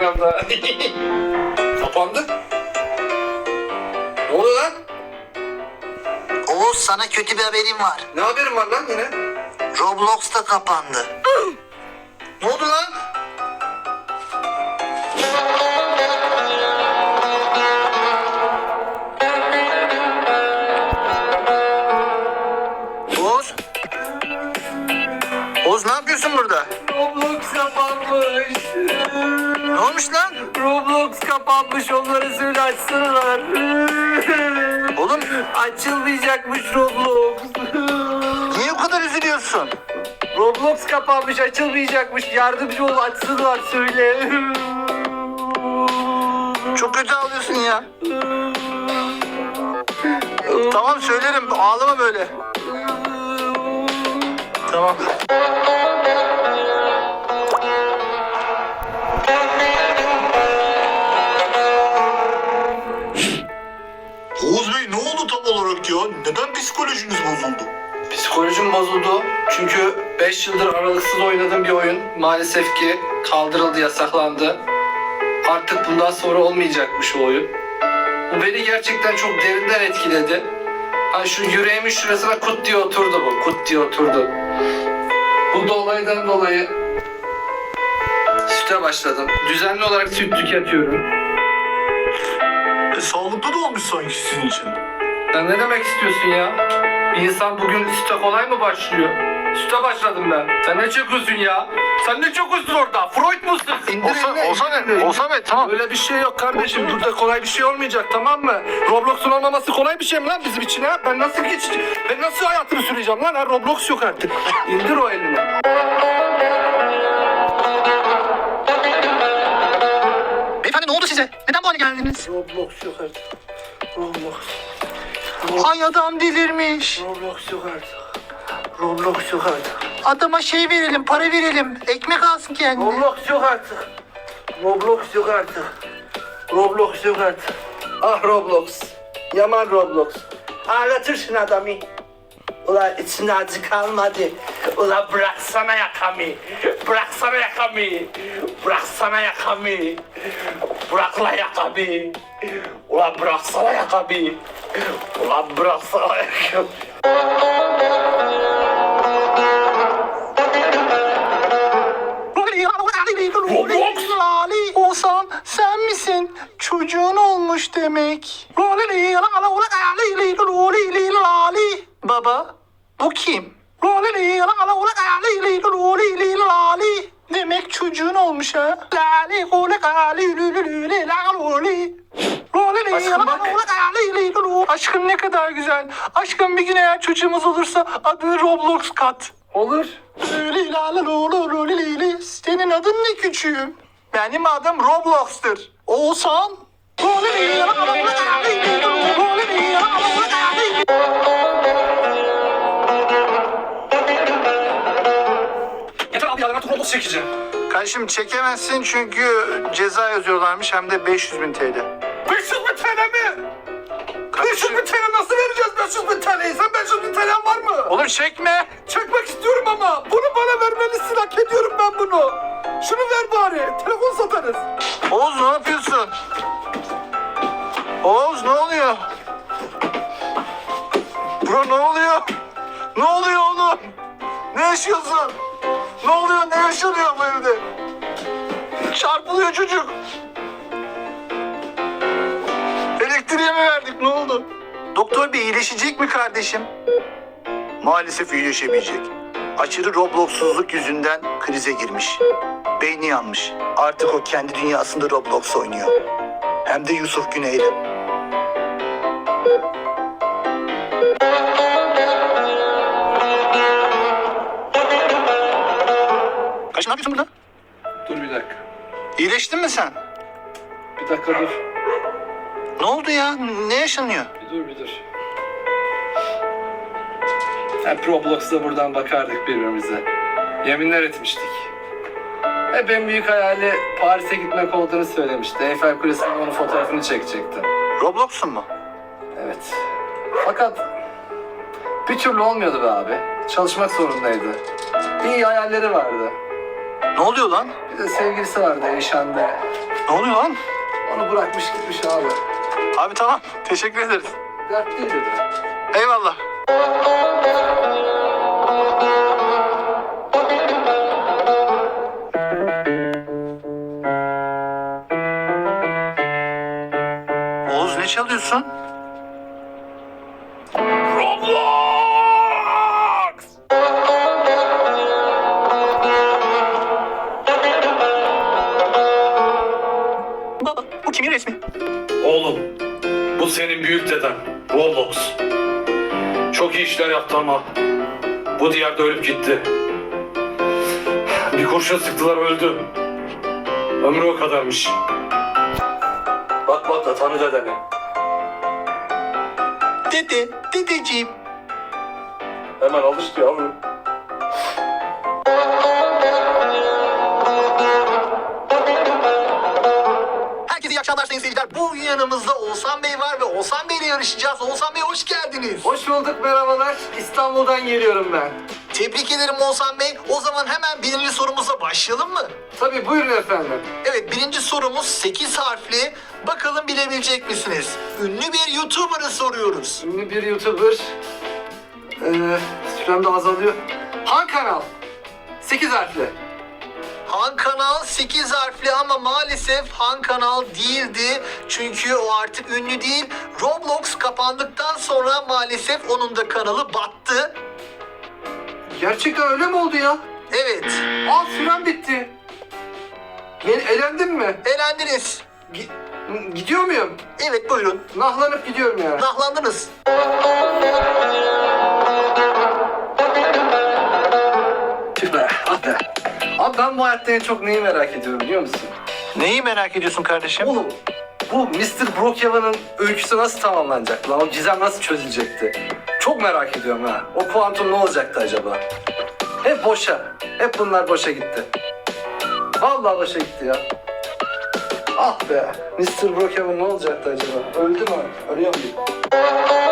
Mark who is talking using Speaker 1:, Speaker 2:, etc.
Speaker 1: Instagram'da. Kapandı. Ne oluyor lan?
Speaker 2: Oğuz, sana kötü bir haberim var.
Speaker 1: Ne haberin var lan yine?
Speaker 2: Roblox da kapandı.
Speaker 1: Ne oldu lan?
Speaker 2: Oğuz. Oğuz, ne yapıyorsun burada?
Speaker 1: Roblox kapanmış.
Speaker 2: Ne olmuş lan?
Speaker 1: Roblox kapanmış, onları söyle açsınlar.
Speaker 2: Oğlum,
Speaker 1: Açılmayacakmış Roblox.
Speaker 2: niye o kadar üzülüyorsun?
Speaker 1: Roblox kapanmış, açılmayacakmış. Yardımcı ol, açsınlar söyle.
Speaker 2: Çok kötü ağlıyorsun ya. Tamam, söylerim. Ağlama böyle. Tamam.
Speaker 3: Oğuz Bey, ne oldu tam olarak ya? Neden psikolojiniz bozuldu?
Speaker 1: Psikolojim bozuldu. Çünkü 5 yıldır aralıksız oynadığım bir oyun maalesef ki kaldırıldı, yasaklandı. Artık bundan sonra olmayacakmış o oyun. Bu beni gerçekten çok derinden etkiledi. Hani şu yüreğimin şurasına kut diye oturdu bu. Kut diye oturdu. Bu olaydan dolayı süte başladım. Düzenli olarak süt tüketiyorum.
Speaker 3: Sağlıklı da olmuş sanki sizin için.
Speaker 1: Sen ne demek istiyorsun ya? Bir insan bugün süte kolay mı başlıyor? Süte başladım ben. Sen ne çekiyorsun ya? Sen ne çekiyorsun orada? Freud musun?
Speaker 2: Olsa be, tamam.
Speaker 1: Öyle bir şey yok kardeşim. Burada kolay bir şey olmayacak, tamam mı? Roblox'un olmaması kolay bir şey mi lan bizim için ha? Ben nasıl geçeceğim? Ben nasıl hayatımı süreceğim lan? Ha? Roblox yok artık. İndir o elini.
Speaker 2: Beyefendi, ne oldu size? Neden bu hale geldiniz?
Speaker 1: Roblox yok artık. Roblox.
Speaker 2: Ay, adam delirmiş.
Speaker 1: Roblox yok artık. Roblox yok artık.
Speaker 2: Adama şey verelim, para verelim. Ekmek alsın kendine.
Speaker 1: Roblox yok artık. Roblox yok artık. Roblox yok artık. Ah Roblox. Yaman Roblox. Ağlatırsın adamı. Ulan içine acı kalmadı. Ulan bıraksana yakamı. Bıraksana yakamı. Bıraksana yakamı. Bırak lan yakamı. Ulan bıraksana yakamı. Ulan bıraksana yakamı.
Speaker 2: Oğuzhan, sen misin? Çocuğun olmuş demek. Baba, bu kim? Demek çocuğun olmuş ha. Aşkım bak. Aşkım ne kadar güzel. Aşkım, bir gün eğer çocuğumuz olursa adını Roblox kat.
Speaker 1: Olur.
Speaker 2: Senin adın ne küçüğüm? Benim adım Roblox'tur. Oğuzhan.
Speaker 1: Yeter abi ya, ben artık Roblox çekeceğim.
Speaker 2: Kardeşim, çekemezsin çünkü ceza yazıyorlarmış, hem de 500.000 TL.
Speaker 1: 500.000 TL mi? 500.000 TL nasıl vereceğiz 500.000 TL'yi? Sen 500.000 TL'n var mı?
Speaker 2: Oğlum çekme.
Speaker 1: Çekmek istiyorum ama bunu bana vermelisin, hak ediyorum ben bunu. Şunu ver bari, telefon satarız.
Speaker 2: Oğuz, ne yapıyorsun? Oğuz, ne oluyor? Bro, ne oluyor? Ne oluyor oğlum? Ne yaşıyorsun? Ne oluyor? Ne yaşanıyor bu evde? Çarpılıyor çocuk. Elektriğe mi verdik? Ne oldu? Doktor bey, iyileşecek mi kardeşim? Maalesef iyileşemeyecek. Aşırı Roblox'suzluk yüzünden krize girmiş. Beyni yanmış. Artık o kendi dünyasında Roblox oynuyor. Hem de Yusuf Güney'le. Kaç, ne yapıyorsun burada?
Speaker 1: Dur bir dakika.
Speaker 2: İyileştin mi sen?
Speaker 1: Bir dakika dur.
Speaker 2: Ne oldu ya? Ne yaşanıyor?
Speaker 1: Bir dur. Hep Roblox'ta buradan bakardık birbirimize. Yeminler etmiştik. Hep en büyük hayali Paris'e gitmek olduğunu söylemişti. Eiffel Kulesi'nin onun fotoğrafını çekecekti.
Speaker 2: Roblox'un mu?
Speaker 1: Evet. Fakat bir türlü olmuyordu be abi. Çalışmak zorundaydı. İyi hayalleri vardı.
Speaker 2: Ne oluyor lan?
Speaker 1: Bir de sevgilisi vardı Eyşan'da.
Speaker 2: Ne oluyor lan?
Speaker 1: Onu bırakmış gitmiş abi.
Speaker 2: Abi tamam. Teşekkür ederiz.
Speaker 1: Dertliydi de.
Speaker 2: Eyvallah. Oğuz ne çalıyorsun?
Speaker 1: Roblox!
Speaker 2: Baba bu kimin resmi?
Speaker 4: Oğlum, bu senin büyük deden, Roblox. Çok iyi işler yaptı ama bu diğerde ölüp gitti. Bir kurşun sıktılar öldü. Ömrü o kadarmış. Bak bak da tanı dedeni.
Speaker 2: Dedeciğim.
Speaker 4: Hemen alıştı yavrum.
Speaker 2: Herkese iyi akşamlar sayın seyirciler. Bugün yanımızda Oğuzhan Bey var ve Oğuzhan Bey ile yarışacağız. Oğuzhan Bey hoş geldiniz.
Speaker 1: Hoş bulduk, merhabalar. İstanbul'dan geliyorum ben.
Speaker 2: Tebrik ederim Oğuzhan Bey. O zaman hemen birinci sorumuza başlayalım mı?
Speaker 1: Tabii, buyurun efendim.
Speaker 2: Evet, birinci sorumuz 8 harfli. Bakalım bilebilecek misiniz? Ünlü bir YouTuber'ı soruyoruz.
Speaker 1: Ünlü bir YouTuber. Sürem de azalıyor. Han Kanal. 8 harfli.
Speaker 2: Han Kanal 8 harfli ama maalesef Han Kanal değildi. Çünkü o artık ünlü değil. Roblox kapandıktan sonra maalesef onun da kanalı battı.
Speaker 1: Gerçekten öyle mi oldu ya?
Speaker 2: Evet,
Speaker 1: Sürem bitti. Elendim mi?
Speaker 2: elendiniz.
Speaker 1: Gidiyor muyum?
Speaker 2: Evet, buyurun.
Speaker 1: Nahlanıp gidiyorum yani.
Speaker 2: Nahlandınız.
Speaker 1: Tüh be, ah be. Abi ben bu hayatta en çok neyi merak ediyorum biliyor musun?
Speaker 2: Neyi merak ediyorsun kardeşim?
Speaker 1: Oğlum, bu Mr. Brookhaven'ın öyküsü nasıl tamamlanacak lan? O gizem nasıl çözülecekti? Çok merak ediyorum ha. O kuantum ne olacaktı acaba? Hep boşa. Hep bunlar boşa gitti. Vallahi boşa gitti ya. Ah be. Mr. Brookhaven ne olacaktı acaba? Öldü mü? Ölüyor muyum?